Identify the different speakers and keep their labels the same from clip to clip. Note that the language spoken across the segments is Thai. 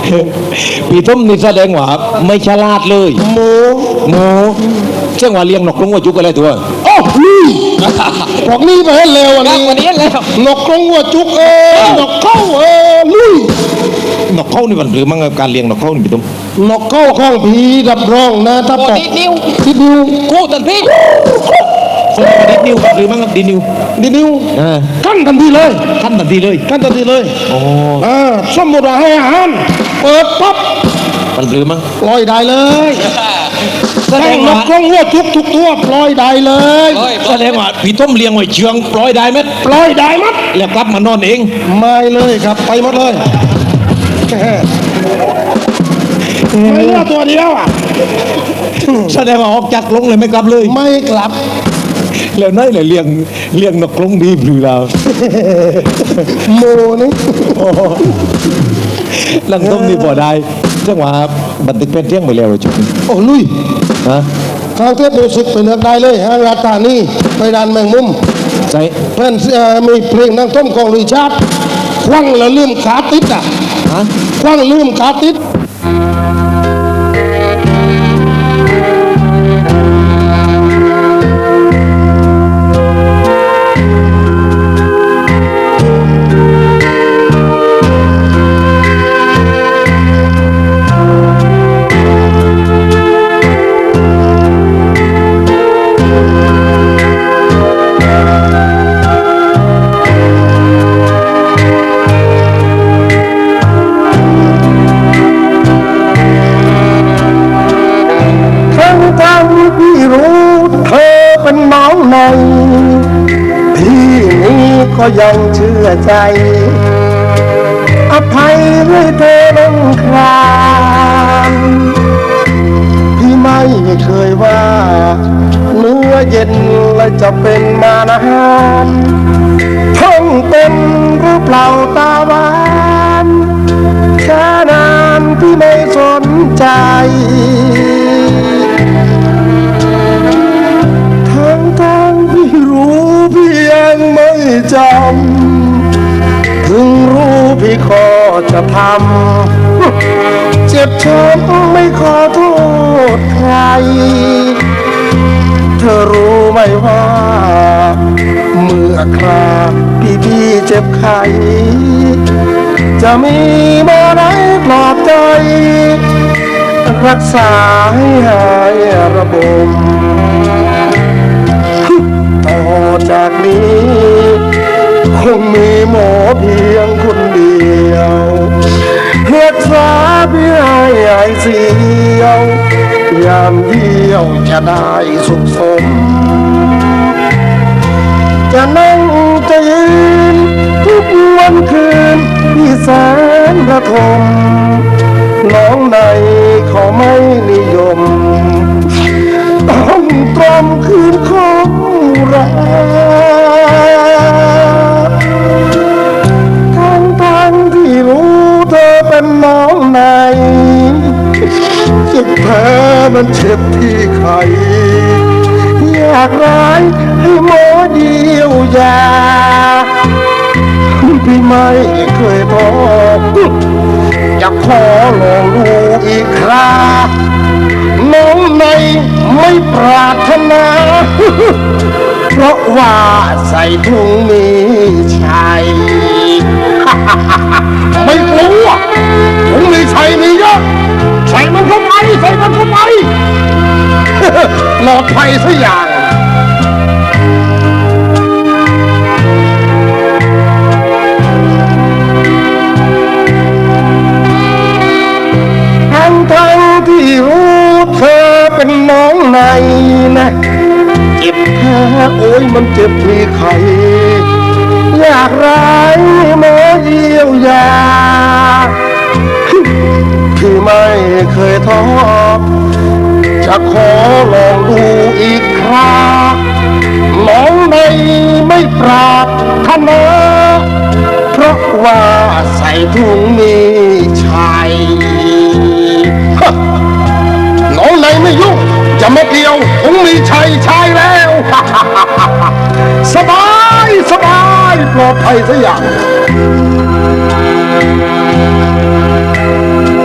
Speaker 1: พี่ต้มนี่แสดงว่าไม่ฉลาดเลย
Speaker 2: หมู
Speaker 1: หมูเชื่อว่าเลี้ยงนกกรงหัวจุกอะไรตัว
Speaker 2: โอ้นี่บอกนี่ไปให้เร็ววันนี้
Speaker 1: วันนี้แล้ว
Speaker 2: นกกรงหัวจุกนกเข้าลุย
Speaker 1: นกเข้านี่มันหรือมั้งการเลี้ยงนกเข้านี่พี่ต้ม
Speaker 2: นกเข้าข้างผีรับรองนะถ้าปอก
Speaker 1: ดิดนิ้ว
Speaker 2: ดิดนิ้ว
Speaker 1: กูตันพี่คนดิดนิ้วหรือมั้งดิดนิ้ว
Speaker 2: ดิดนิ้วกั้นทันทีเลย
Speaker 1: ขั้นทันทีเลย
Speaker 2: กั้นทันทีเลย
Speaker 1: โอ้
Speaker 2: สมมติว่าให้อาหารเปิดปั๊บ
Speaker 1: มันหรือมั้ง
Speaker 2: ปล่อยได้เลย
Speaker 1: แสด
Speaker 2: แข่
Speaker 1: ง
Speaker 2: งน
Speaker 1: ว่าก
Speaker 2: กรงหัวจุกทุกตัวปล่อยได้เลย
Speaker 1: แสดงว่าพี่ต้มเลี้ยงไว้เชืองปล่อยได้ไหม
Speaker 2: ปล่อยได้มัด
Speaker 1: แล้วกลับมานอนเอง
Speaker 2: ไม่เลยครับไปหมดเลยไม่เหลือตัวเดียวอ่ะ
Speaker 1: แสดงว่าออกจากกรงเลยไม่กลับเลย
Speaker 2: ไม่กลับ
Speaker 1: แล้วนั่นเลยเลี้ยงนกกรงดีหรือเรา
Speaker 2: โมนี่
Speaker 1: ลังต้มนี่พอได้จังหวะบันทึกเป็นเที่ยงไปแล้วจุดนี้
Speaker 2: โอ้ลุย
Speaker 1: ฮะ
Speaker 2: ทางเทพมิวสิกไปเลือกได้เลยฮะราตานี่ไปดานแมงมุม
Speaker 1: ใส่
Speaker 2: เพื่อนมีเพลงนั่งต้มของริชาร์ดควังแล้วลืมขาติดอ่ะ
Speaker 1: ฮะ
Speaker 2: ควังลืมขาติดพี่รู้เธอเป็นน้องในพี่นี้ก็ยังเชื่อใจอภัยให้เธอลงครามพี่ไม่เคยว่าเนื้อเย็นและจะเป็นมานานท่องเป็นหรือเปล่าตาหวานแค่นานพี่ไม่สนใจพี่รู้พี่ยังไม่จำถึงรู้พี่ขอจะทำเจ็บช้ำไม่ขอโทษใครเธอรู้ไหมว่าเมื่อคราพี่เจ็บไข้จะมีมาไหนปลอบใจรักษาให้หายระบมต่อจากนี้คงมีหมอเพียงคนเดียวรักษาพี่ให้หายเสียวยามเยี่ยวจะได้สุขสมจะนั่งจะยืนทุกวันคืนพี่แสนระทมน้องในเขาไม่นิยมต้องตรมคืนของรักทั้งที่รู้เธอเป็นน้องในสุดแท้มันเจ็บที่ไขอยากร้ายให้หมอเดียวยาพี่ไม่เคยท้ออยากขอลองดูอีกคราน้องในไม่ปรารถนา เพราะว่าใส่ถุงมีชัย ไม่กลัวถุงมีชัยมีเยอะใส่มันเข้าไปใส่มันเข้าไป ปลอดภัยสักอย่างทั้งที่รู้เธอเป็นน้องในนะเจ็บแค่โอ้ยมันเจ็บที่ไขอยากร้ายมาเยียวยาพี่ไม่เคยท้อจะขอลองดูอีกคราน้องในไม่ปรารถนาเพราะว่าใส่ถุงมีชัยน้องในไม่ยุ่งจะไม่เกี่ยวถุงมีชัยชายแล้ว สบายปลอดภัยสักอย่าง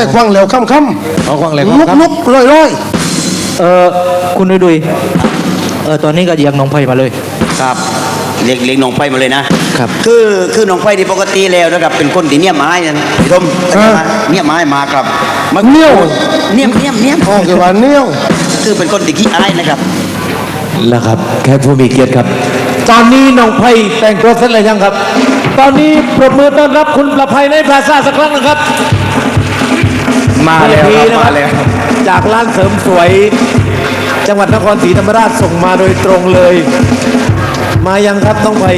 Speaker 2: ควังแล้วค่ำ
Speaker 1: เอาควังแล้ว
Speaker 2: ลุก
Speaker 1: ครับ
Speaker 2: ลุกๆร้อย
Speaker 3: คุณดุยตอนนี้ก็ยังน้องไผ่มาเลย
Speaker 4: ครับเรียกน้องไฟมาเลยนะครับ คือน้องไฟที่ปกติแล้วนะครับเป็นคนที่เนี่ยไม้นะพี่ทมเนี่ยไม้มาครับ
Speaker 2: ๆเนี่ยว
Speaker 4: เนี่ย
Speaker 2: อ๋อคือว่าเนี่ยว
Speaker 4: คือเป็นคนที่ขี้อายนะครับ
Speaker 1: แล้วครับแค่ผู้มีเกียรติครับ ตอนนี้น้องไผ่แต่งตัวเสร็จแล้วยังครับ ตอนนี้ปรบมือต้อนรับคุณประภัยในพลาซ่าสักครั้งนะครับ
Speaker 2: มาแล้ว
Speaker 1: VIP
Speaker 2: ครับ
Speaker 1: นะ
Speaker 2: มาแล้ว
Speaker 1: จากร้านเสริมสวย จังหวัดนครศรีธรรมราชส่งมาโดยตรงเลย มายังครับน้องไผ่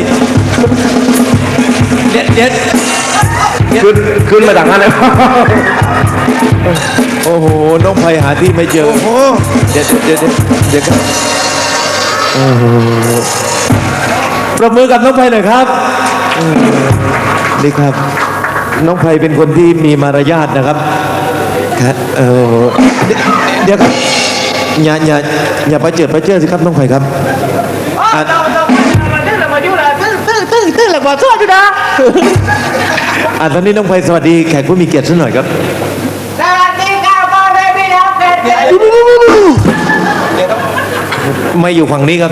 Speaker 1: เด็ด
Speaker 2: ขึ้นมาดังนั้นเลย
Speaker 1: โอ้โหน้องไผ่หาที่ไม่เจอ
Speaker 2: โอ้โห
Speaker 1: เดี๋ยวครับโอ้โหปรบมือกับน้องไผ่หน่อยครับนี่ครับ น้องไผ่เป็นคนที่มีมารยาทนะครับครับเดี๋ยวครับอย่าไปเจิดสิครับน้องไผ่ครับอ่ะตอนนี้น้องไผ่สวัสดีแขกผู้มีเกียรติสักหน่อยครับ
Speaker 5: สวัสดีค่ะพ่อแม่พี่น้องเด็ก
Speaker 1: ไม่อยู่ฝั่งนี้ครับ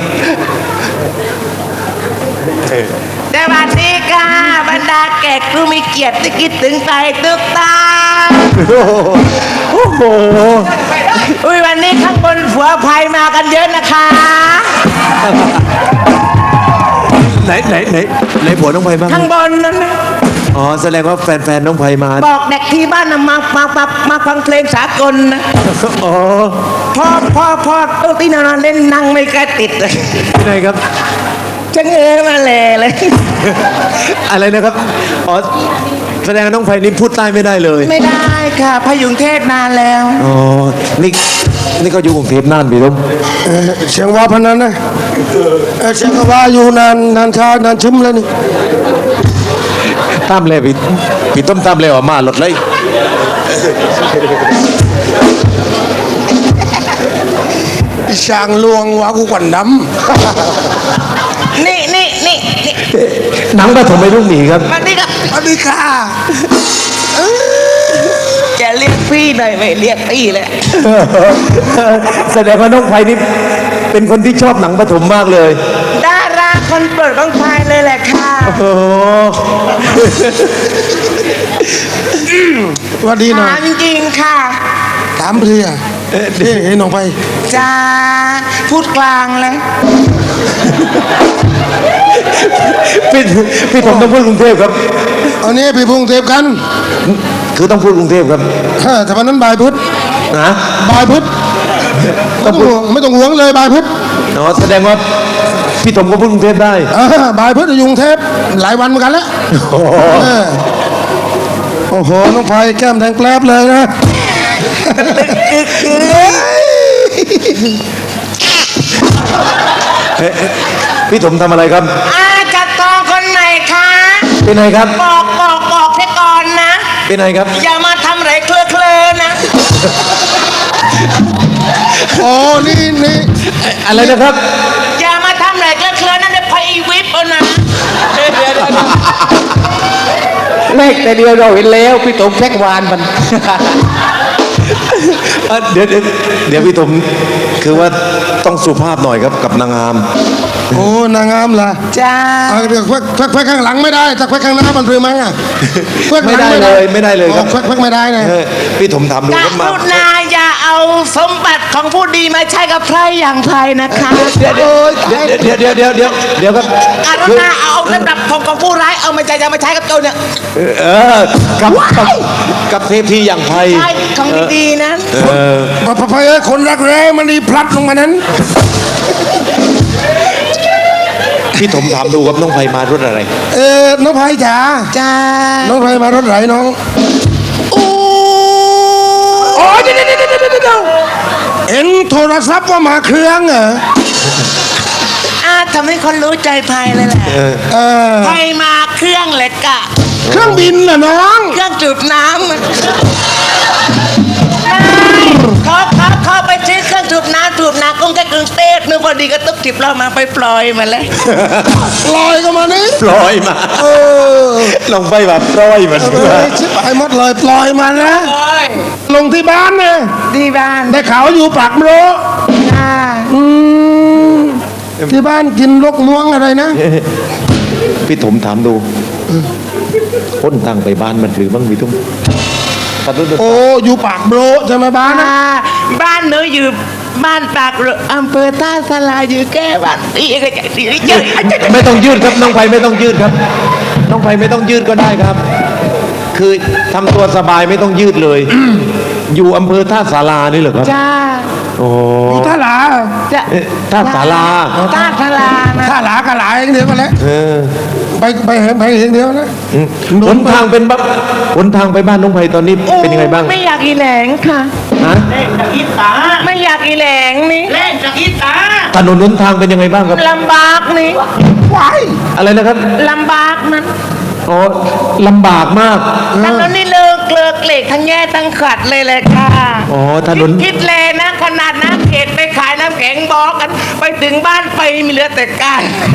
Speaker 5: สวัสดีค่ะบรรดาแขกผู้มีเกียรติที่คิดถึงใจทุกตา
Speaker 1: โอ้โห
Speaker 5: อุ้ยวันนี้ข้างบนผัวภัยมากันเยอะนะคะ
Speaker 1: ไหนผัวน้องไผ่บ้าง
Speaker 5: ข้างบนนั้นนะ
Speaker 1: อ๋อแสดงว่าแฟนน้องไผ่มา
Speaker 5: บอกเด็กที่บ้านนะมาฟังเพลงสากลนะ
Speaker 1: อ๋อ
Speaker 5: พ่อตู้ที่นอนเล่นนั่งไม่กระติดเลย
Speaker 1: ที่ไหนครับ
Speaker 5: จะเงยมาเลย
Speaker 1: อะไรนะครับ อ๋อ แสดงว่าน้องไผ่นี่พูดใต้ไม่ได้เลย
Speaker 5: ไม่ได้ค่ะพยุงเทศนานแล้ว
Speaker 1: อ๋อ นี่ก็อยู่กรุงเทพนานพี่ต้ม
Speaker 2: เสียงว่าพนันนะเสียงก็ว่าอยู่นานชานานชิมแล้วนี่
Speaker 1: ตามเลยพี่ต้มตามเลยออกมาหลดเลย
Speaker 2: อีช่างลวงว่ากูกวันด
Speaker 5: นี่
Speaker 1: หนังปฐมไม่รุ่งหนีครับ
Speaker 5: มานี่ครับ
Speaker 2: ำสวัสดีค่ะ
Speaker 5: จะเรียกพี่หน่อยไม่เรียกพี่เลย
Speaker 1: แสดงว่าน้องไผ่นี่เป็นคนที่ชอบหนังปฐมมากเลย
Speaker 5: ดาราคนโปรดของพายเลยแหละค่ะ
Speaker 1: โอ้โห
Speaker 2: สวัสดีหน่อย
Speaker 5: ถามจริงๆค่ะ
Speaker 2: ถามเพลียเห็นน้องไป
Speaker 5: จะพูดกลางเลย
Speaker 1: พี่ผมต้องพูดกรุงเทพครับ
Speaker 2: เอานี้ไปพงเทพกัน
Speaker 1: คือต้องพูดกรุงเทพครับ
Speaker 2: ถ้าวันนั้นบายพุทธ
Speaker 1: นะ
Speaker 2: บายพุทธไม่ต้องห่วงเลยบายพุทธ
Speaker 1: อ๋อแสดงว่าพี่ผมก็พูดกรุงเทพได้
Speaker 2: บายพุทธอยู่กรุงเทพหลายวันเหมือนกันแล้ว
Speaker 1: โอ้โห
Speaker 2: โอ้โหน้องไผ่แก้มแดงแกลบเลยนะ
Speaker 1: พี่ผมทำอะไรครับ
Speaker 5: จะตองคนไหนคะ
Speaker 1: เป็นไงครับ
Speaker 5: บอกให้ก่อนนะ
Speaker 1: เป็นไงครับ
Speaker 5: อย่ามาทำไรเคลือนะ
Speaker 2: อ๋อนี่
Speaker 1: อะไรนะครับ
Speaker 5: อย่ามาทำไรเคลือนั่นเดี๋ยวพออีวิปเอานะ
Speaker 3: เลขแต่เดียวเราเห็นแล้วพี่ต๋มแท็กวานมัน
Speaker 1: เดี๋ยวพี่ผมคือว่าต้องสุภาพหน่อยครับกับนางงาม
Speaker 2: โอ้นางงามล่ะ
Speaker 5: จ้า
Speaker 2: เดี๋ยวแควกข้างหลังไม่ได้ถ้าแควกข้างหน้ามันเรือมั้งอ่ะแควกหลัง
Speaker 1: ไม่ได้เลยครับ
Speaker 2: แควกไม่ได้นะ
Speaker 1: พี่ผมทำดู
Speaker 5: ก
Speaker 1: ครับมา
Speaker 5: รุณาอย่าเอาสมบัติของผู้ดีมาใช้กับใครอย่างใครนะคะ
Speaker 1: เดี๋ยวครับ
Speaker 5: กรุณาเอาลำดับของผู้ร้ายเอามาใช้จะมาใช้กับโจรเนี่ย
Speaker 1: กับเทพที่อย่างไพ
Speaker 5: ใช่ของดีๆนะ
Speaker 2: พะเอ้ยคนรักแร้มันนี่พลัดลงมานั้น
Speaker 1: พี่ผมถามดูครับน้องไพมารถอะไร
Speaker 2: น้องไผ่จ๋า
Speaker 5: จ้า
Speaker 2: น้องไผ่มารถไหนน้อง
Speaker 5: โอ้
Speaker 2: โอ้ยเดี๋ยวเห็นโทรศัพท์ว่ามาเครื่องเหรอ
Speaker 5: ทำให้คนรู้ใจภัยเลยแหละ
Speaker 2: เออ
Speaker 5: ภัยมาเครื่องเหล็กอะ
Speaker 2: เครื่องบินเหรอน้อง
Speaker 5: เครื่องจูบน้ำอะเขาไปซื้อเครื่องจูบน้ำกรุงเทพนึกพอดีก็ตุ๊กจิบเรามาไปปล่อยมาเลย
Speaker 2: ลอยก็มานี่
Speaker 1: ปล่อยมา
Speaker 2: เออ
Speaker 1: น้องไพแบบปล่อยมัน
Speaker 2: ชิบหายหมดเลยปล่อยมันนะลงที่บ้านนะ
Speaker 5: ที่บ้าน
Speaker 2: ได้ข่าวอยู่ปากโมร
Speaker 5: ค่ะ
Speaker 2: ที่บ้านกินลกม่วงอะไรนะ
Speaker 1: พี่ถมถามดูพ้นทางไปบ้านมันหรือบ้างพี่ตุ้มตัดรถ
Speaker 2: โอ้อยู่ปากโมรใช่ไหมบ้านนะ
Speaker 5: บ้านหนูอยู่บ้านปากเรืออำเภอท่าสลาอยู่แก้บ้านตีก็จะตีเยอะ
Speaker 1: ไม่ต้องยืดครับน้องไผ่ไม่ต้องยืดครับ น้องไผ่ไม่ต้องยืดก็ได้ครับ คือทำตัวสบายไม่ต้องยืดเลย อยู่อำเภอท่าสารานี่เหรอครับ
Speaker 5: จ้า
Speaker 1: โอ้
Speaker 2: อยู่ท่าหลา
Speaker 5: จะ
Speaker 1: เอ๊ะท่าสารา
Speaker 5: ท่าสลานะ
Speaker 2: ท่าหลากะหลาอย่างเดียวกันแหล้ว
Speaker 1: เออ
Speaker 2: ไปเห็นอย่างเดียวนะ
Speaker 1: หนทางเป็นบ้างหนทางไปบ้านน้องไผ่ตอนนี้เป็นยังไงบ้าง
Speaker 5: ไม่อยากอีแหลงค่ะ
Speaker 1: ฮะ
Speaker 5: ไม่อยากอีแหลงนี่แหลงจากอีตา
Speaker 1: ถนนหนทางเป็นยังไงบ้างครับ
Speaker 5: ลำบากนี่
Speaker 2: ว้าย
Speaker 1: อะไรนะครับ
Speaker 5: ลำบากนั้น
Speaker 1: อ๋อลำบากมาก
Speaker 5: ถนนนี่เลิกเหล็กทั้งแย่ทั้งขัดเลยค่ะ
Speaker 1: อ๋อถนน
Speaker 5: คิดเลยนะขนาดน้ำเขตไปขายน้ำแข็งบอกกัน ไปถึงบ้านไปมีเหลือแต่ก้าน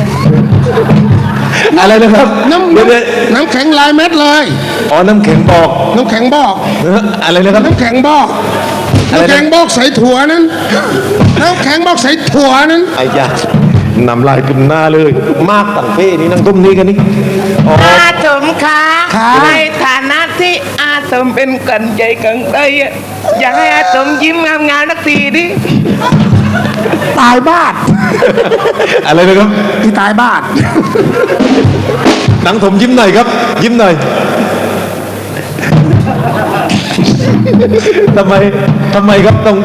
Speaker 1: อะไรนะครับ
Speaker 2: น้ำ
Speaker 1: เดี๋ยว
Speaker 2: น้ำแข็งลายเม็ดเลย
Speaker 1: อ๋อน้ำแข็งบอก
Speaker 2: น้ำแข็งบอก
Speaker 1: เอออะไรนะครับ
Speaker 2: น้ำแข็งบอก
Speaker 1: อะไรนะ
Speaker 2: น้ำแข็งบอกใส่ถั่วนั้นน้ำแข็งบอกใส่ถั่วนั้น
Speaker 1: ไอ้ยานำลายขึ้นหน้าเลย มากต่างเฟ้นี่นั่งตุ้มนี้กันนี่อ๋อ
Speaker 5: อาสมคะในฐานะที่อาสมเป็นกันใจกันใจอะอยากให้อาสมยิ้มงามๆสักทีดิ
Speaker 2: ตายบ้าน
Speaker 1: อะไรนะครับ
Speaker 2: ที่ตายบ้าน
Speaker 1: หนังถมยิ้มหน่อยครับ ยิ้มหน่อยทำไมครับต้อง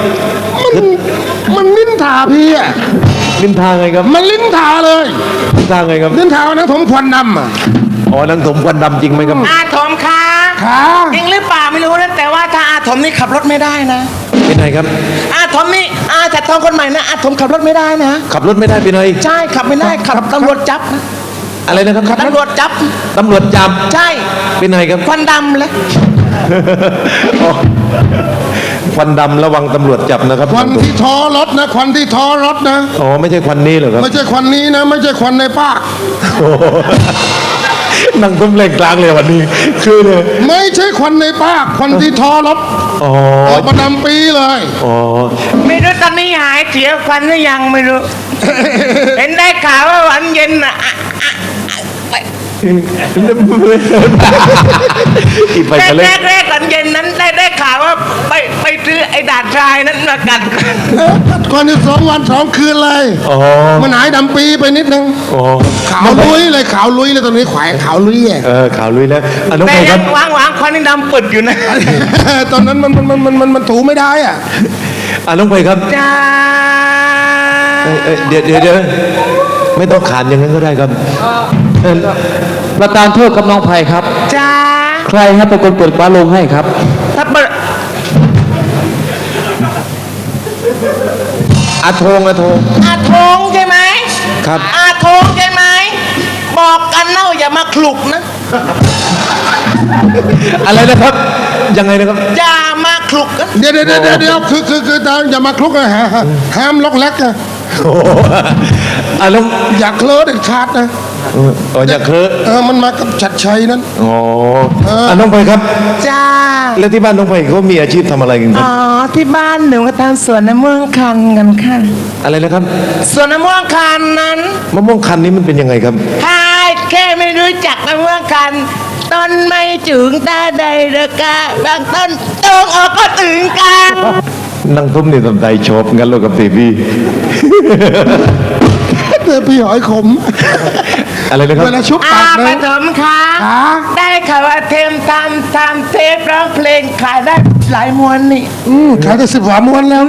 Speaker 2: มันลิ้นทาพี่อ่ะ
Speaker 1: ลิ้นทางไงครับ
Speaker 2: มันลิ้นทาเลย
Speaker 1: ลิ้นทางไงครับ
Speaker 2: ลิ้นทานะผมควันดำอ่ะ
Speaker 1: อ๋อหนังถมควันดำจริงไหมครับ
Speaker 5: อาสมคะ
Speaker 2: ขา
Speaker 5: จริงหรือเปล่าไม่รู้นะแต่ว่าถ้าอาสมนี่ขับรถไม่ได้นะ
Speaker 1: เป็นไงครับ
Speaker 5: อาสมนี่อาจัดทองคนใหม่นะอาสมขับรถไม่ได้นะ
Speaker 1: ขับรถไม่ได้เป็นไง
Speaker 5: ใช่ขับไม่ได้ขับตำรวจจับนะ
Speaker 1: อะไรนะครับ
Speaker 5: ตำรวจจับ
Speaker 1: ตำรวจจับ
Speaker 5: ใช่
Speaker 1: เป็นไงครับ
Speaker 5: ควันดำเลย
Speaker 1: อ๋อควันดำระวังตำรวจจับนะครับ
Speaker 2: ควันที่ท้อรถนะควันที่ท้อรถนะ
Speaker 1: อ๋อไม่ใช่ควันนี้เหรอครับ
Speaker 2: ไม่ใช่ควันนี้นะ ไม่ใช่ควันในปาก
Speaker 1: โอ้โหนั่งตุ้มเล่งกลางเลยวันนี้ คือเลย
Speaker 2: ไม่ใช่ควันในปากควันที่ท้อรถ
Speaker 1: อ๋อ
Speaker 2: ออกมาดำปีเลย
Speaker 1: อ๋อ
Speaker 5: ไม่รู้ตอนนี้หายเสียควันหรือยังไม่รู้ เห็นได้ข่าวว่าวันเย็นอ่ะ
Speaker 1: อีไปกันเลย
Speaker 5: แรกวันเย็นนั้นได้ข่าวว่าไปซื้อไอ้ด่านทรายนั้นมากัด
Speaker 2: ก่อนที่2 วัน 2 คืนเลย
Speaker 1: อ๋อ
Speaker 2: มันหายดำปีไปนิดนึง
Speaker 1: อ๋อ
Speaker 2: ขาวลุยเลยขาวลุยเลยตอนนี้แขวงขาวลุยอ่ะ
Speaker 1: ข่าวลุยแล้วอ่ะน้อง
Speaker 5: แต่
Speaker 1: ไผ่ค
Speaker 5: ยั
Speaker 1: รับ
Speaker 5: งวางควันนี่ดำปึดอยู่นะ
Speaker 2: ตอนนั้นมันถูไม่ได้อ่ะ
Speaker 1: น้องไผ่ครับ
Speaker 5: จ้า
Speaker 1: เดี๋ยวไม่ต้องขานอย่างนั้นก็ได้ครับ
Speaker 3: ประธานโทษกับน้องไผ่ครับ
Speaker 5: จ้า
Speaker 3: ใครครับเป็นคนเปิดฟ้าลงให้ครับ
Speaker 5: ถ้าเปิด
Speaker 1: อาโทง
Speaker 5: อาทงใช่ไหม
Speaker 1: ครับ
Speaker 5: อาทงใช่ไหมบอกกันเน่าอย่ามาคลุกนะ
Speaker 1: อะไรนะครับ ยังไงนะครับ
Speaker 5: อย่ามาคลุกนะ
Speaker 2: เดี๋ยวคืออย่ามาคลุกนะห้ามล็อกแล็กนะ
Speaker 1: โอ้โหน้อง
Speaker 2: อย่าเคลิ้เด็ดขาดนะ
Speaker 1: อย่าเคอะ
Speaker 2: มันมากับชัดชัยนั้น
Speaker 1: อ๋อน้องไผ่ครับ
Speaker 5: จ้า
Speaker 1: แล้วที่บ้านน้องไผ่เขามีอาชีพทำอะไรกันครั
Speaker 5: อ๋
Speaker 1: บ
Speaker 5: อที่บ้านหนูก็ทำสวนมะม่วงคันกันค่ะ
Speaker 1: อะไรนะครับ
Speaker 5: สวนมะม่วงคันนั้น
Speaker 1: มะม่วงคันนี้มันเป็นยังไงครับ
Speaker 5: ถ้าแค่ไม่รู้จักมะม่วงคันต้นไม่จึงตาใดเดอกาบางต้นตรงออกก็ถึงกัน
Speaker 1: นั่งทุ่มนี่สนใจชอบงั้นเรากับเบบี้
Speaker 2: เจอพี่หอยขม
Speaker 1: อะไรนะครับ
Speaker 2: เวลาชุบ
Speaker 5: อา
Speaker 2: ปาก
Speaker 5: ป
Speaker 2: นะ
Speaker 5: ฐมคะ
Speaker 2: ขา ได้
Speaker 5: ได้ข่าวว่าเทมทำเทปร้องเพลงขายได้หลายมวนนี่
Speaker 2: ขายได้10 กว่าม้วนแล้ว
Speaker 5: ใน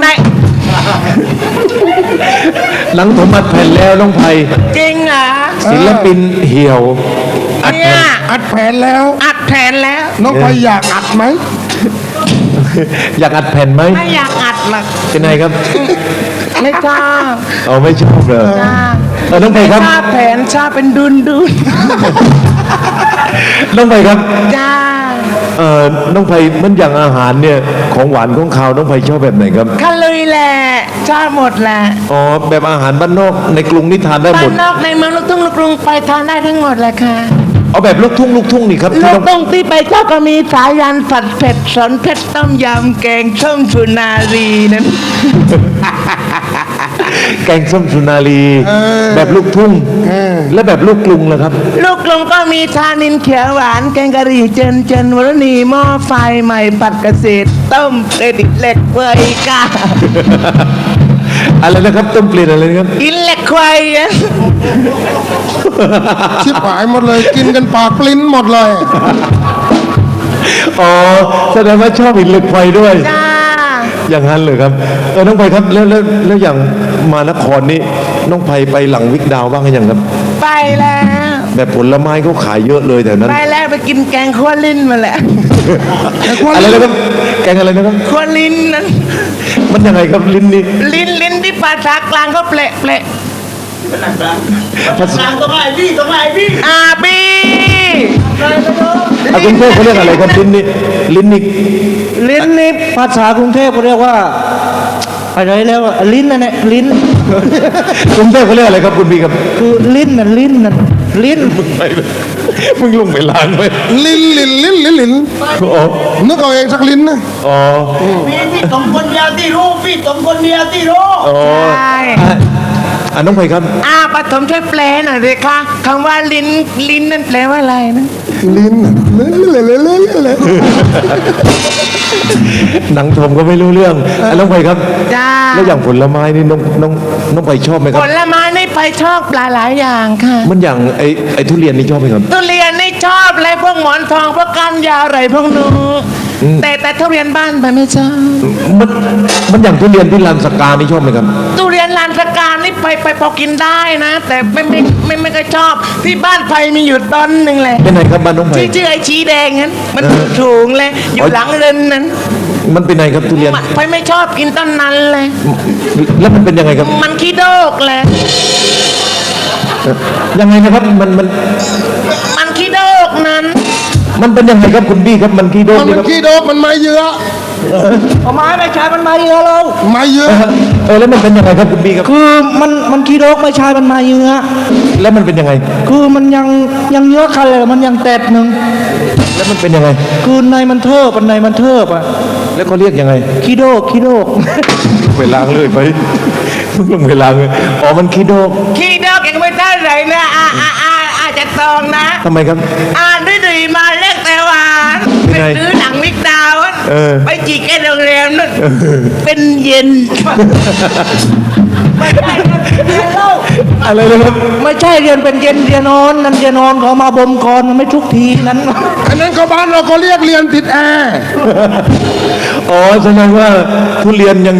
Speaker 1: หลังผมอัดแผ่นแล้วน้องไผ่
Speaker 5: จริงเหรอ
Speaker 1: ศิลปินเหี่ยวอัด
Speaker 5: เนี่
Speaker 1: แผ่
Speaker 5: ย
Speaker 1: น
Speaker 2: อัดแผนแล้ว
Speaker 5: อัดแผนแล้ว
Speaker 2: น้องไปอยากอัดไหม
Speaker 1: อยากอัดแผ่นไหม
Speaker 5: ไม่อยากอัดหรอก
Speaker 1: เป็นไงครับ
Speaker 5: ไม่ชอบ
Speaker 1: เอาไม่ชอบเลย
Speaker 5: จ้า
Speaker 1: น้องไผ่ครับ
Speaker 5: ชอบแผนชอบเป็นดุน
Speaker 1: น้องไผ่ครับ
Speaker 5: จ้า
Speaker 1: น้องไผ่มันอย่างอาหารเนี่ยของหวานของคาวน้องไผ่ชอบแบบไหนครับ
Speaker 5: ข้าลุยแหละชอบหมดแหละ
Speaker 1: อ๋อแบบอาหารบ้านนอกในกรุงนี่ทานได้ห
Speaker 5: บ้าม
Speaker 1: ด
Speaker 5: นนอกในเมืองลูกทุ่งลูกกรุงไปทานได้ทั้งหมดแหละค่ะ
Speaker 1: เอาแบบลูกทุ่งนี่ครับ
Speaker 5: ลู
Speaker 1: ที่
Speaker 5: ก
Speaker 1: ต้อง
Speaker 5: ตรงที่ไปเจ้าก็มีสายันผัดเผ็ดสอนเพชรต้มยำแกงส้มสุนารีนั้น
Speaker 1: แกงส้มสุนารีแบบลูกทุ่งและแบบลูกกรุงล่ะครับ
Speaker 5: ลูกกลงก็มีชานินเขียวหวานแกงกะหรี่เจนวรณีหม้อไฟใหม่ผัดเกษตรต้มเครดิตเหล็กเวยกา
Speaker 1: อะไรนะครับต้มเปลี่ยนอะไรนะครับ
Speaker 5: กินเหล็กควายอะ
Speaker 2: ชิบหายหมดเลยกินกันปากปลิ้นหมดเลย
Speaker 1: อ๋อแสดงว่าชอบหินเหล็กไฟด้วย
Speaker 5: จ้า
Speaker 1: อย่างนั้นเลยครับน้องไพครับแล้วอย่างมานครนี่น้องไพไปหลังวิกดาวบ้างหรือยังครับ
Speaker 5: ไปแล้ว
Speaker 1: แบบผลไม้เขาขายเยอะเลยแถวนั้น
Speaker 5: ไปแล้วไปกินแกงขั้วลิ้นมาแล้ว
Speaker 1: อะไรนะครับแกงอะไรนะครับ
Speaker 5: ขั้วลิ้นนั้น
Speaker 1: มันยังไงครับลิ้นนี่
Speaker 5: ลิ้นที่ภาษากลางก็เปละ
Speaker 1: ภาษา
Speaker 4: ต้องไล่พี่
Speaker 5: อาบี
Speaker 1: กรุงเทพเขาเรียกอะไรครับลิ้นนี่
Speaker 3: ลิ้นนี่ภาษากรุงเทพเขาเรียกว่าอะไรแล้วอะลิ้นนั่นแหละลิ้น
Speaker 1: กรุงเทพเขาเรียกอะไรครับคุณพี่ครับ
Speaker 3: คือลิ้นนั่นลิ้น
Speaker 1: มึงลงไปล้างไว้
Speaker 2: ลิ้น
Speaker 1: อ๋อ
Speaker 2: นึกเอาเองสักลิ้นนะ
Speaker 1: อ๋อ
Speaker 4: พี่สองคนเดียวที่รู้พี่สองคนเดียวที่รู้
Speaker 1: อ๋อ
Speaker 5: ใช่
Speaker 1: น้องไพครับ
Speaker 5: ปฐมช่วยแปลหน่อยเลยค่ะคำว่าลิ้นนั่นแปลว่าอะไรนะ
Speaker 2: ลิ้นเลย
Speaker 1: หนังชมก็ไม่รู้เรื่องน้องไพครับ
Speaker 5: จ้า
Speaker 1: แล้วอย่างผลไม้นี่น้องไพชอบไหมค
Speaker 5: ผ
Speaker 1: รับ
Speaker 5: ลไม้นี่ไปชอบปลาหลายอย่างค่ะ
Speaker 1: มันอย่างไอ้ทุเรียนนี่ชอบไหมครับ
Speaker 5: ทุเรียนนี่ชอบอะไรพวกหมอนทองพวกก้านยาวอะไรพวกนู้นแต่ทุเรียนบ้านไปไม่ชอบ
Speaker 1: มันอย่างทุเรียนที่ลานสกานี่ชอบไหมครับ
Speaker 5: ทุเรียนลานสการนี่ไปพอกินได้นะ แต่ไม่ค่อยชอบที่บ้านไผ่มีอยู่ต้นหนึ่งเลย
Speaker 1: เป็นไงครับบ้านน้องไพ
Speaker 5: ชื่อไอ้ชีแดงนั้นมันถูงเลยอยู่หลังเรือนนั้น
Speaker 1: มันเป็นไงครับทุเรียน
Speaker 5: ไผ่ไม่ชอบกินต้นนั้นเลย
Speaker 1: แล้วมันเป็นยังไงครับ
Speaker 5: มันขี้โดกเลย
Speaker 1: ยังไงนะครับ
Speaker 5: มันขี้โดกนั้น
Speaker 1: มันเป็นยังไงครับคุณพี่ครับมันขี้โดก
Speaker 2: มัน
Speaker 1: นี่ครับ
Speaker 2: ขี้โดกมันไม่เยอะ
Speaker 3: เอาไม้ไปใช้มันมาเยอะเรา
Speaker 2: ไม่เยอะ
Speaker 1: แล้วมันเป็นยังไงครับคุณพี่ครับ
Speaker 3: คือมันขี้โรคไม่ใช่มันมาเยอะ
Speaker 1: แล้วมันเป็นยังไง
Speaker 3: คือมันยังเยอะคันเลยมันยังแตดหนึ่ง
Speaker 1: แล้วมันเป็นยังไง
Speaker 3: คือในมันเทิบในมันเทิบอ่ะ
Speaker 1: แล้วเขาเรียกยังไง
Speaker 3: ขี้โดก
Speaker 1: ไปล้างเลยไปมึงลงไปล้างเลยอ๋อมันขี้โดก
Speaker 5: ขี้โดกยังไม่ได้เลยนะอาจจะตองนะ
Speaker 1: ทำไมครับ
Speaker 5: ดื้อมาเล็กแต่หวาน
Speaker 1: เป็น
Speaker 5: ไป
Speaker 1: ไง
Speaker 5: ซื้อหนังมิกดาวน์
Speaker 1: เออ
Speaker 5: ไปจีกแค่โรงแรมนั่นเป็นเย็นไม่ได้เล่า
Speaker 1: อะไรนะครับ
Speaker 3: ไม่ใช่เรียนเป็นเย็นเรียนนอนนั่นเรียนนอนเขามาบ่มก่อนมันไม่ทุกทีนั้น
Speaker 2: อันนั้นเขาบ้านเราก็เรียกเรียนติดแอร์
Speaker 1: อ๋อแสดงว่าทุเรียนยัง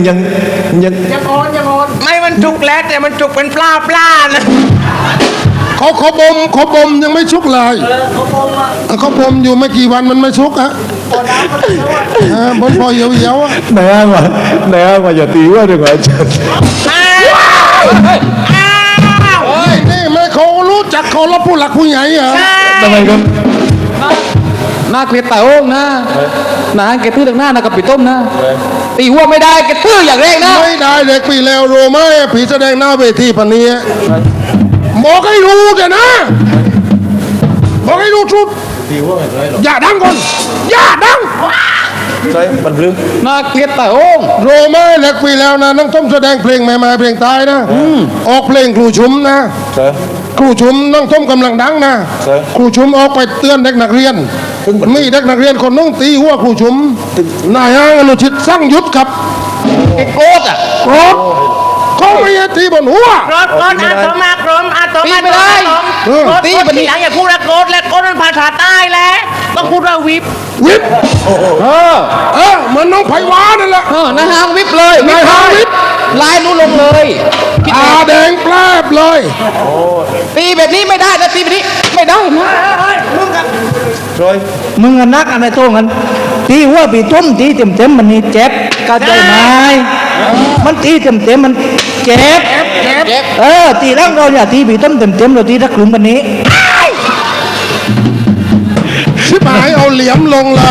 Speaker 5: ไม่มันจุกแล้วแต่มันจุกเป็นปลานะ
Speaker 2: เขาบ่มยังไม่ชุกเลยเขาบ่มอยู่ไม่กี่วันมันไม่ชุกอะบนพอเหี่ยวๆอะ
Speaker 1: ไหนอ้างว่าอย่าตีว่าดีกว่าอาจารย์
Speaker 5: อ้าว
Speaker 2: เฮ้ยนี่ไม่เขารู้จักเขารับผู้หลักผู้ใหญ่เหรอ
Speaker 1: ทำไมครับ
Speaker 3: น่าเกลียดแต่โอ้งนะนะแกตื้อตรงหน้านะกับปีต้มนะตีหัวไม่ได้แกตื้ออย่างแรกนะ
Speaker 2: ไม่ได้เด็กปีแล้วรู้ไหมผีแสดงหน้าเวทีพันนี้บอกให้รู้แกนะบอกให้รู้ชุดอย่าดังก่อนอย่าดัง
Speaker 1: ใช่มันพลึ้ง
Speaker 3: น่าเกลียดแต่โอ้ง
Speaker 2: รู้ไหมเด็กปีแล้วนะน้องต้มแสดงเพลงใหม่ๆเพลงตายนะออกเพลงครูชุมนะ
Speaker 1: ใช่
Speaker 2: ครูชุมน้องต้มกำลังดังนะ
Speaker 1: ใช่
Speaker 2: ครูชุมออกไปเตือนเด็กนักเรียน มีเด็กนักเรียนคนนึงตีหัวครูชุมนายห้างอนุชิตสร้างยุทธครับ
Speaker 3: แกโกรธอ่ะ
Speaker 2: โกรธเขาไม่ให้ตีบนหัว
Speaker 5: รถอาโตมากรมอาโตมา
Speaker 3: ตีไม่ได้
Speaker 5: ตีมันทีหลังอย่าพูดว่าโกรธและโกรธมันภาษาใต้แล้วต้องพูดว่าวิบ
Speaker 2: วิบเหมือนน้องไผ่วานั่นแหละ
Speaker 3: นายห้างวิบเลย
Speaker 2: นายห้างวิบ
Speaker 3: ลายนู้นลงเลยคิด
Speaker 2: ตา
Speaker 3: ดู
Speaker 2: แดงแปลบเลย
Speaker 3: ตีแบบนี้ไม่ได้นะตีแบบนี้ไม่ได้นะ
Speaker 1: ใช่
Speaker 3: มึงอะนักอะไรโต้งกันตีหัวปีต้มตีเต็มมันนี่เจ็บเข้าใจไหมมันตีเต็มมันเจ็บตีร่างเราอย่าตีปีต้มเต็มเราตีรักกลุ่มวันนี้
Speaker 2: ชิบหายเอาเหลี่ยมลงเลย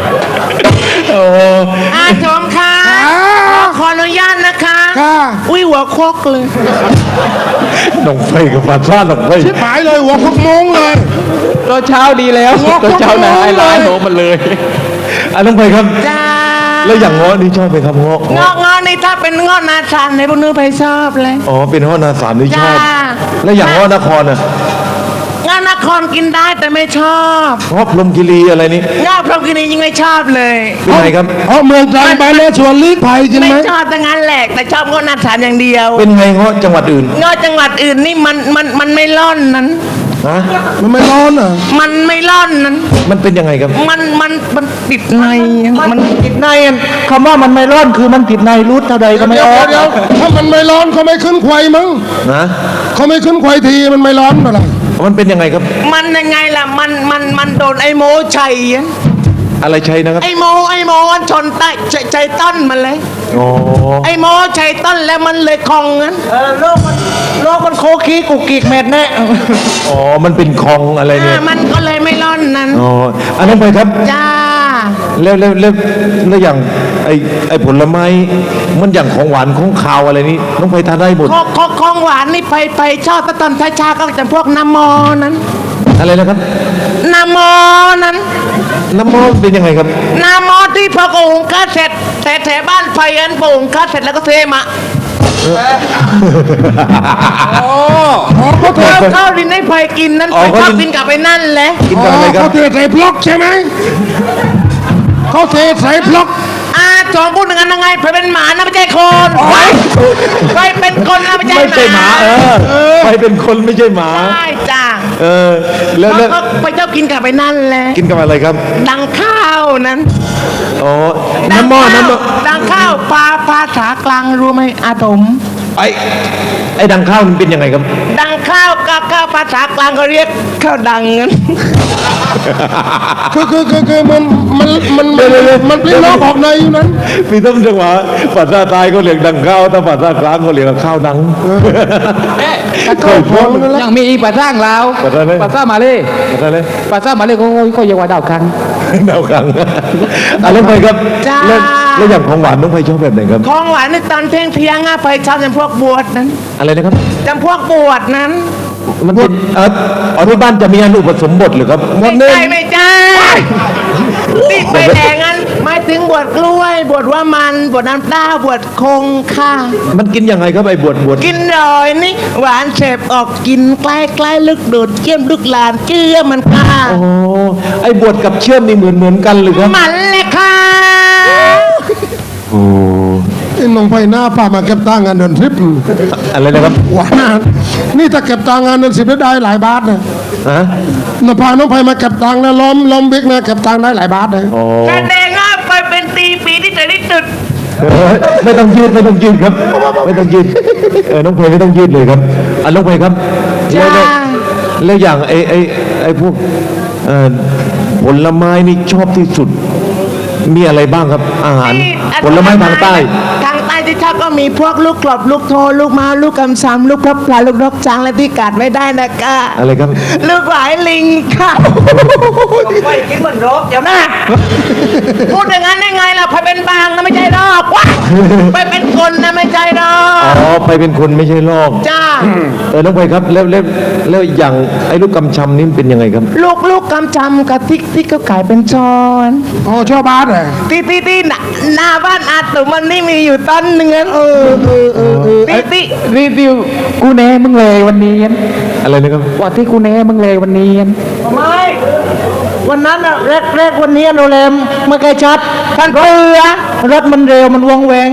Speaker 5: อาโจมค่ะขออนุญาตนะคะ
Speaker 2: ค่ะ
Speaker 5: อุ้ยหัวโคกเลย
Speaker 1: น้องไฟกับปลาซ่าน้องไฟ
Speaker 2: ชิบหายเลยหัวพกมงเลย
Speaker 5: ตอนเช้าดีแล้วตอนเช้านะให้ร้านโหมันเลย
Speaker 1: น้องไพครับ
Speaker 5: จ้า
Speaker 1: แล้วอย่างเงาะนี่ชอบไหมครับเงาะ
Speaker 5: งอกนี่ถ้าเป็นงอกนาซานในพวกนู้นไปชอบเลย
Speaker 1: อ๋อเป็นเงาะนาสามนี่ชอบ
Speaker 5: จ้า
Speaker 1: แล้วอย่างเงาะนครน่ะ
Speaker 5: งอกนครกินได้แต่ไม่ชอบ
Speaker 1: เงาะพรหมคีรีอะไรนี่
Speaker 5: งอกพรหมคีรียังไม่ชอบเลย
Speaker 1: เป็นไงครับ
Speaker 2: เพราะเมืองตรังไปแล้วชวนลีกภัยใช่ไห
Speaker 5: ไม่
Speaker 2: ม
Speaker 5: ชอบแต่งั้นแหละแต่ชอบงอกนาซานอย่างเดียว
Speaker 1: เป็นไงเงาะจังหวัดอื่น
Speaker 5: งอกจังหวัดอื่นนี่มันไม่ร่อนนั้น
Speaker 1: ฮะ
Speaker 2: มันไม่ร้อนอ่ะ
Speaker 5: มันไม่ร่อนนั้น
Speaker 1: มันเป็นยังไงครับ
Speaker 5: มันติดใน
Speaker 3: มันติดในอะคำว่ามันไม่ร้อนคือมันติดในรูดเท่าใดก็ไม่
Speaker 2: เดี๋ยว
Speaker 3: ออก
Speaker 2: เดี๋ยวถ้ามันไม่ร้อนเขาไม่ขึ้นควายมั้ง
Speaker 1: นะ
Speaker 2: เขาไม่ขึ้นควายทีมันไม่ร้อนเท่าไหร่
Speaker 1: มันเป็นยังไงครับ
Speaker 5: มันยังไงล่ะมันโดนไอ้โมชัยอะ
Speaker 1: อะไรใช้นะครับ
Speaker 5: ไอ้โมมันชนใต้ใจต้นมันเลย
Speaker 1: อ๋อ
Speaker 5: ไอ้โมชัยต้นแล้วมันเลยคลองงั้น
Speaker 3: โลกมันโคกี้กุกกิกแมดแน่
Speaker 1: อ๋อ มันเป็นคลองอะไรเนี่ย
Speaker 5: มันก็เลยไม่ร่อนนั้น
Speaker 1: อ๋อน้องไพครับ
Speaker 5: จ้า
Speaker 1: แล้วอย่างไอ้ผลไม้ มันอย่างของหวานของคาวอะไรนี่น้องไพทานได้หมด
Speaker 5: ของหวานนี่ไปชอบตอนช้าๆก็จะพวกน้ำมอนั้น
Speaker 1: อะไรนะครับ
Speaker 5: น้ำมอนั้น
Speaker 1: น้ำมอสเป็นยังไงครับ
Speaker 5: น้ำมอที่พอกูหุงข้าวเสร็จแถวบ้านไฟอันปหุงข้าวเสร็จแล้วก็เทมาเขาเทข้าวดินให้ไฟกินนั้น
Speaker 1: อ๋อ
Speaker 5: ไฟชอบ
Speaker 1: เขาดิน
Speaker 5: กินกลับไปนั่นแหละ
Speaker 1: กินกับอะไรครับ
Speaker 2: เขาเทใส่บล็อกใช่ไหมเขาเทใส่บล็อก
Speaker 5: จอมพูดอย่างนั้นยังไงไฟเป็นหมานะไม่ใช่คน ไฟเป็นคนนะไม่ใช่
Speaker 1: ไม่ใช่หมา ไปเป็นคนไม่ใช่หมา
Speaker 5: ใช่จ้า
Speaker 1: แล้ว
Speaker 5: เขาไปชอบกินกลับไปนั่นแหละ
Speaker 1: กินกับอะไรครับ
Speaker 5: ดังข้าวนั้น
Speaker 1: อ๋อ น้ำมอน้ำมอ
Speaker 5: ดังข้าวภาษากลางรู้ไหมอาตม
Speaker 1: ไอ้ดังข้าวมันเป็นยังไงครับ
Speaker 5: ดังข้าวก็ภาษากลางก็เรียกข้าวดังงั้น
Speaker 2: คือมันปลิ้นล้อออกในอยู่นั้น
Speaker 1: พี่ต้มจังหวะภาษาใต้เขาเรียกดังข้าวถ้าภาษากลางเขาเรียกข้าวดังเคยพูด
Speaker 3: ยังมีอีกภาษาลาว
Speaker 1: ภาษาอะไร
Speaker 3: ภาษามาเลย
Speaker 1: ภาษาอะไร
Speaker 3: ภาษามาเลยก็เรียกว่าดาวคัง
Speaker 1: ดาวคังน้องไพครับ
Speaker 5: จ้า
Speaker 1: แล้วอย่างของหวานน้องไพชอบแบบไหนครับ
Speaker 5: ของหวานในตอนเที่ยงไปชอบจำพวกบวชนั้น
Speaker 1: อะไรนะครับ
Speaker 5: จำพวกบวชนั้น
Speaker 1: มันเป็นที่บ้านจะมีอันอุปสมบทหรือครับ
Speaker 5: ไม่ใช่ติดไปแดงนั้นหมายถึงบวชกล้วยบวชว่ามันบวชน้ำต้าบวชคงค่ะ
Speaker 1: มันกินยังไงครับไอ้บวช
Speaker 5: กินรอยนี่หวานเสพออกกินใกล้ลึกโดดเกี้ยมลึกลานเชื่อมันค่ะ
Speaker 1: อ๋อไอ้บวชกับเชื่อมนี่เหมือนกันหรือครับ
Speaker 5: มันเลยค่ะ
Speaker 1: โอ้
Speaker 2: ไอ้น้องไฟหน้าป้ามาเก็บตังค์งานเดินทริป
Speaker 1: อะไรนะครับ
Speaker 2: หวานนะนี่ถ้าเก็บตังค์งานเดินสิบได้หลายบาทนะ
Speaker 1: ฮะ
Speaker 2: น้องพาน้องไฟมาเก็บตังค์นะล้อมบิ๊กนะเก็บตังค์ได้หลายบาทนะ
Speaker 1: อ๋อ
Speaker 5: แสดงว่าไปเป็นปีที่สวยที่สุด
Speaker 1: ไม่ต้องยืดครับ ไม่ต้องยืดน้องเพลไม่ต้องยืดเลยครับน้องเพลครับแล้วอย่างไอ้พวกผลไม้นี่ชอบที่สุด มีอะไรบ้างครับ อาหารผลไม้ทางใต้
Speaker 5: ทางใต้ที่ชอบก็มีพวกลูกกรอบลูกโทลูกม้าลูกกำซำลูกพลับพลาลูกนกจางและที่กัดไม่ได้นะคะ
Speaker 1: อะไรครับ
Speaker 5: ลูกหวายลิงค่ะไปกินเหมือนรบเดี๋ยวนะพูดอย่างนั้นได้ไงล่ะไปเป็นบางนะไม่ใช่รอบว้าไปเป็นคนนะไม่ใช่รอบ
Speaker 1: อ๋อไปเป็นคนไม่ใช่ลอก
Speaker 5: จ้า
Speaker 1: น้องเพลครับแล้วอย่างไอ้ลูกกำชำนี่เป็นยังไงครับ
Speaker 5: ลูกกำจำกับที่เขาขายเป็นช้อน
Speaker 2: อ๋อชอบบาทเหรอ
Speaker 5: ที่หน้าบ้านอาตุมันนี่มีอยู่ต้นหนึ่งที่
Speaker 3: รีวิวกูแน่มึงเลยวันนี้
Speaker 1: อะไรนะครับ
Speaker 3: ว่าที่กูแน่มึงเลยวันนี้
Speaker 5: ไม่วันนั้นอะแรกวันนี้โรงแรมเมื่อไกลชัดท่านเรือ
Speaker 3: รถมันเร็วมันวงแวง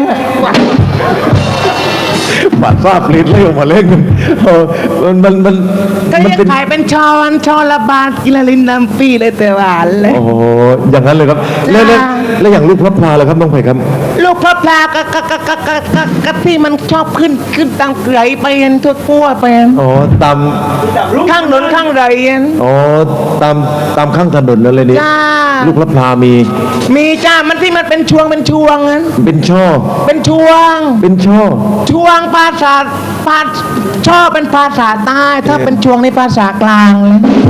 Speaker 1: บาดซาบลิ้นเลยออกมาเล่นมัน
Speaker 5: ก็
Speaker 1: มัน
Speaker 5: ยัง
Speaker 1: เป็น
Speaker 5: ขายเป็นช้อนละบาทกินละลินน้ำปีเลยแต่หวานเลย
Speaker 1: โอ้โหอย่างนั้นเลยครับแล้วอย่างลูกพระพลาเลยครับน้องไผ่ครับ
Speaker 5: ลูกพระพลาก็ที่มันชอบขึ้นตามเกลือไปเห็นทั่วทั่วไปเห็น
Speaker 1: อ๋อตาม
Speaker 5: ข้างถนนข้างไรเห็น
Speaker 1: อ๋อตามข้างถนนนั่นเลยนี่
Speaker 5: จ้า
Speaker 1: ลูกพระพลามี
Speaker 5: มีจ้ามันที่มันเป็นช่วงนั้น
Speaker 1: เป็นช่อ
Speaker 5: เป็นช่วง
Speaker 1: เป็นช่อ
Speaker 5: ช่วงภาษาชอบเป็นภาษาใต้ถ้าเป็นช่วงในภาษากลางเลย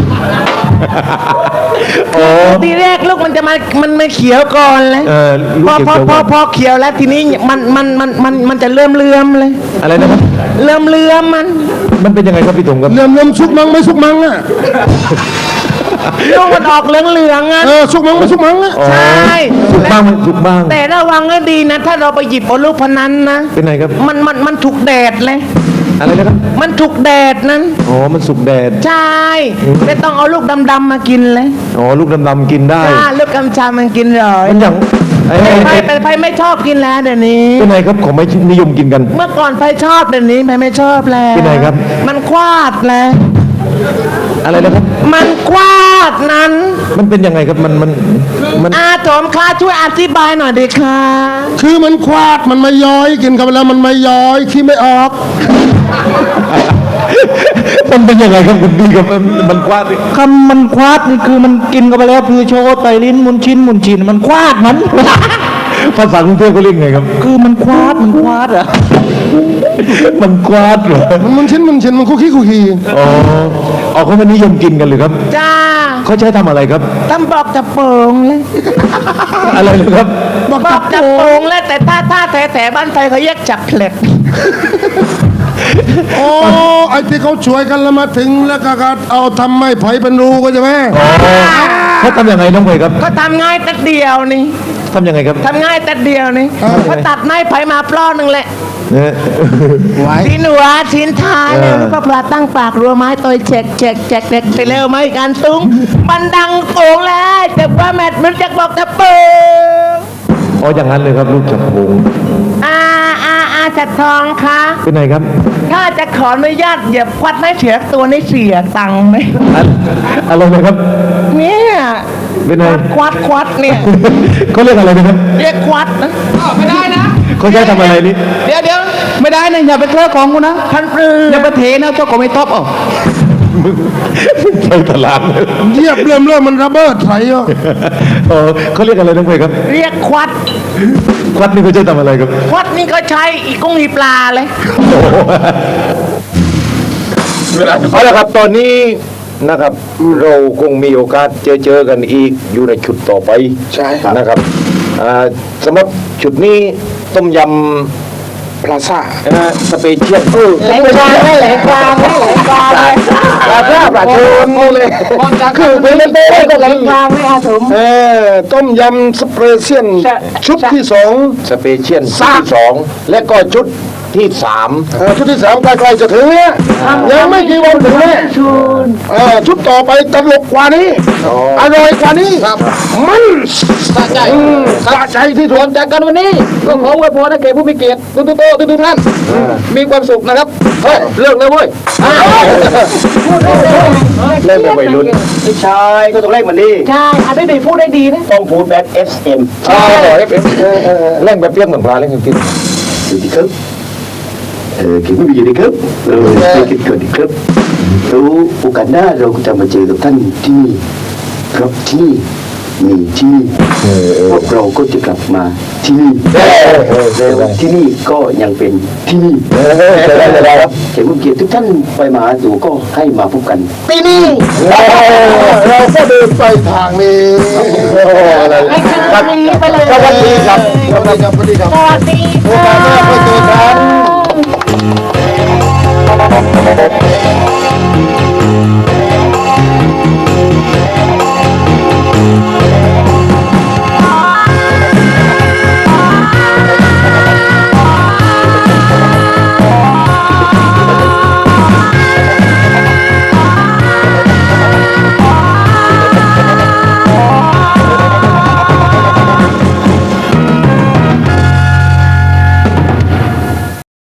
Speaker 1: อ๋อ
Speaker 5: ทีแรกลูกมันจะมันไม่เขียวก่อนเลย
Speaker 1: ลูก
Speaker 5: พอ
Speaker 1: เขียวๆก่อน
Speaker 5: พอเขียวแล้วทีนี้มันจะเลื่อมเลย
Speaker 1: อะไรนะครับ
Speaker 5: เลื่อมมัน
Speaker 1: มันเป็นยังไงครับพี่ถุงครับ
Speaker 2: เริ่มสุกมังไม่สุกมังอ่ะ
Speaker 5: ลูกมันออกเหลืองๆอ่ะ
Speaker 2: สุกมั้งสุกมั้งนะ
Speaker 5: ใช่
Speaker 1: สุกบ้างมันสุกบ้าง
Speaker 5: แต่ระวังให้ดีนะ ถ้าเราไปหยิบเอาลูกพนันนะ
Speaker 1: เป็นไงครับ
Speaker 5: มันถูกแดดเลย
Speaker 1: อะไรนะครับ
Speaker 5: มันถูกแดดนั้น
Speaker 1: อ๋อมันสุกแดด
Speaker 5: ใช่ไม่ต้องเอาลูกดำๆมากินเลย
Speaker 1: อ๋อลูกดำๆกินได้
Speaker 5: จ้าลูกกำชามันกินเลย
Speaker 1: มันอย่างไอ้
Speaker 5: ไฟไม่ชอบกินแล้วเดี๋ยวนี้
Speaker 1: เป็นไงครับของไม่นิยมกินกัน
Speaker 5: เมื่อก่อนไฟชอบเดี๋ยวนี้ไม่ชอบแล้ว
Speaker 1: เป็นไงครับ
Speaker 5: มันควาดแล้ว
Speaker 1: อะไรนะครับ
Speaker 5: มันควาดนั้น
Speaker 1: มันเป็นยังไงครับมัน
Speaker 5: อาโถมคะช่วยอธิบายหน่อยดิค่ะ
Speaker 2: คือมันควาดมันไม่ย้อยกินกันไปแล้วมันไม่ย้อยขี้ไม่ออก
Speaker 1: มันเป็นยังไงครับคุณพี่ครับมันกว้างดิ
Speaker 3: คำมันควาดนี่คือมันกินกันไปแล้วคือโชว์ไตลิ้นมุนชินมันควาดมัน
Speaker 1: ภาษากรุงเทพเขาเรียกไงครับ
Speaker 3: คือมันควาดอ่ะ
Speaker 1: มันกว้างเหรอ
Speaker 2: มันชิ้นมันคุกขี้
Speaker 1: อ๋ออ๋อเขาไม่นิยมกินกันเลยครับ
Speaker 5: จ้า
Speaker 1: เขาใช้ทำอะไรครับ
Speaker 5: ตำบอกจะโป่งเลย
Speaker 1: อะไรเลยครับ
Speaker 5: บอกจะโป่งเลยแต่ถ้าแถบ้านไฟเขาแยกจับเพล็ด
Speaker 2: โอ้ไอ้ที่เขาช่วยกันแล้วมาถึงแล้วก็เอาทำไม้ไผ่เป็นรูก็ใช่ไหม
Speaker 1: เขาทำยังไงน้องเวยครับ
Speaker 5: เขาทำง่ายแต่เดียวนี่
Speaker 1: ทำยังไงครับ
Speaker 5: ทำง่ายแต่เดียวนี่เขาตัดไม้ไผ่มาปล้อหนึ่งแหละ
Speaker 1: เนี่ย
Speaker 5: ชิ้นหัวชิ้นท้ายเนี่ยแล้วก็ปลาตั้งปากรัวไม้ตัวแจกไปเร็วไหมการตุ้งมันดังโป่งแล้วแต่ว่าแมทมันจะบอกจะเปิง
Speaker 1: อ๋ออย่างนั้นเลยครับลูกจับผง
Speaker 5: จัดทองคะ
Speaker 1: เป็นไงครับ
Speaker 5: ถ้าจะขออนุญาตเหยียบควัดไม่เสียตัวนี่เสียตังค์ไหม
Speaker 1: อะไรนะครับ
Speaker 5: เนี่ย
Speaker 1: เป็นไง
Speaker 5: ควัดเนี่ย
Speaker 1: เขาเรียกอะไรนะครับ
Speaker 5: เรียกควัดนะไม่ได้นะ
Speaker 1: เขาใช้ทำอะไรนี่
Speaker 5: เดี๋ยว
Speaker 3: ไม่ได้นะอย่าไปเคลื่อนของกูนะ
Speaker 5: พันปลือ
Speaker 3: อย่าไปเทนะเจ้าก็ไม่ตอบเอา
Speaker 1: ใช้ตลาดเลย
Speaker 2: เหยียบเริ่มมันระเบิดไถอ่ะ
Speaker 1: อ๋อเขาเรียกอะไรน้องเวยครับ
Speaker 5: เรียกควัด
Speaker 1: ควัดนี่เขาใช้ทำอะไรครับ
Speaker 5: ควัดนี่ก็ใช้อีกุ้งอีปลาเลย
Speaker 1: เอาละครับตอนนี้นะครับ เราคงมีโอกาสเจอกันอีกอยู่ในชุดต่อไป
Speaker 2: ใช่ครับ
Speaker 1: นะครับสำหรับชุดนี้ต้มยำ
Speaker 2: พลาซ่า
Speaker 1: สเปเชียล
Speaker 5: แหลกกลางเลยแหลกกลางเลยแหลกกลางเลย
Speaker 1: ปลาซ่าปลาทูเลยคือเป็นเต้ก็
Speaker 5: แหลกกลางเลยอาสม
Speaker 2: ต้มยำสเปรเซียนชุดที่สอง
Speaker 1: สเปเชียลชุดที่สองและก็ชุดที่สาม
Speaker 2: ชุดที่สามใกล้ๆจะถึงเนี่ยยังไม่กี่วันถึงแน่ชุดต่อไปตลกกว่านี้อร่อยกว่านี้มันสะใจที่สุด
Speaker 3: จากกันวันนี้ก็ขออวยพรให้แก่ผู้มีเกียรติทุกท่านมีความสุขนะครับเฮ้ยเลิกเลยเว้ย
Speaker 1: เล่นเป็นวัยรุ่น
Speaker 4: ไม่ใช่ก็ต้องเล่นมันดี
Speaker 5: ใช่อาได้พูดได้ดีนะ
Speaker 4: ต้องพูดแบบ SM
Speaker 1: เล่นแบบเปรี้ยวเหมือนปลาเล่นแบบเปรี้ยว
Speaker 4: อยู่ที่ครับคิดว่ามีอยู่ดีครับไม่คิดเกินดีครับแล้วโอกาสหน้าเราจะมาเจอกับท่านที่นี่ครับที่นี่มีที่นี่พวกเราก็จะกลับมาที่นี่แล้วที่นี่ก็ยังเป็นที่นี่ครับเขียนเกียรติทุกท่านไปมาหาสู่ก็ให้มาพบกันที่นี่
Speaker 2: เราก็เดินไปทางนี้
Speaker 5: ให้ขึ้นตรงนี้ไปเลย
Speaker 2: สวัสดีครับสวัสดีครับสวัสดีครับ
Speaker 5: สวัสดี
Speaker 2: โอกาสหน้าค่อยเจอกัน